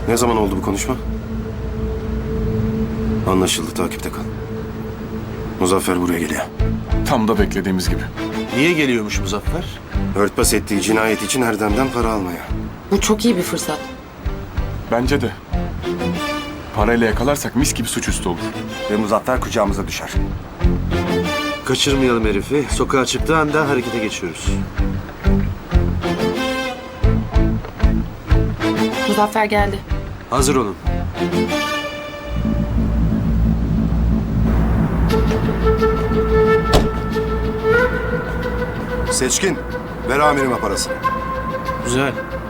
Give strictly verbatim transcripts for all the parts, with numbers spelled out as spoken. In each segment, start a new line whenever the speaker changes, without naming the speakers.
Ne zaman oldu bu konuşma? Anlaşıldı, takipte kal. Muzaffer buraya geliyor.
Tam da beklediğimiz gibi.
Niye geliyormuş Muzaffer?
Örtbas ettiği cinayet için Erdem'den para almaya.
Bu çok iyi bir fırsat.
Bence de. Parayla yakalarsak mis gibi suçüstü olur.
Ve Muzaffer kucağımıza düşer.
Kaçırmayalım herifi. Sokağa çıktığı anda harekete geçiyoruz.
Muzaffer geldi.
Hazır olun.
Seçkin, ver amirime parasını.
Güzel.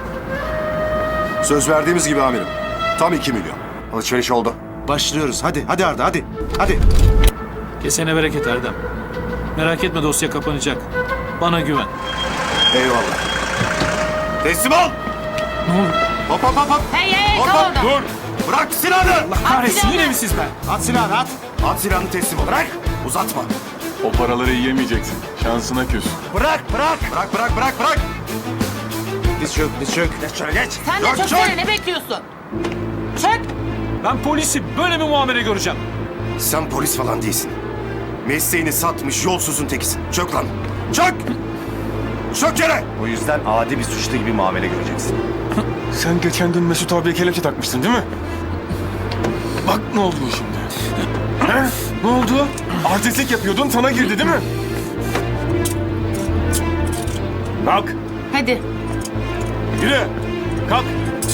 Söz verdiğimiz gibi amirim. Tam iki milyon.
Alışveriş oldu.
Başlıyoruz. Hadi, hadi Arda, hadi. Hadi.
Kesene bereket Erdem. Merak etme, dosya kapanacak. Bana güven.
Eyvallah. Teslim ol!
Ne oldu?
Hop hop hop hop!
Hey hey
Hop
kal
hop!
orada.
Dur! Bırak silahını!
Kahretsin, yine mi siz be?
At silahını at! At silahını teslim ol. Bırak! Uzatma!
O paraları yiyemeyeceksin. Şansına küs.
Bırak! Bırak! Bırak bırak bırak bırak!
Diz çök, diz çök.
Geç şöyle geç.
Sen de
Yok,
çöksene,
çök.
ne bekliyorsun? Çök.
Ben polisi böyle mi muamele göreceğim?
Sen polis falan değilsin. Mesleğini satmış yolsuzun tekisin. Çök lan! Çök! Çök yere!
O yüzden adi bir suçlu gibi muamele göreceksin.
Sen geçen gün Mesut abiye kelepçe takmıştın değil mi? Bak ne oldu şimdi. He? Ne oldu? Artistlik yapıyordun, sana girdi değil mi? Kalk,
Hadi.
yürü. Kalk.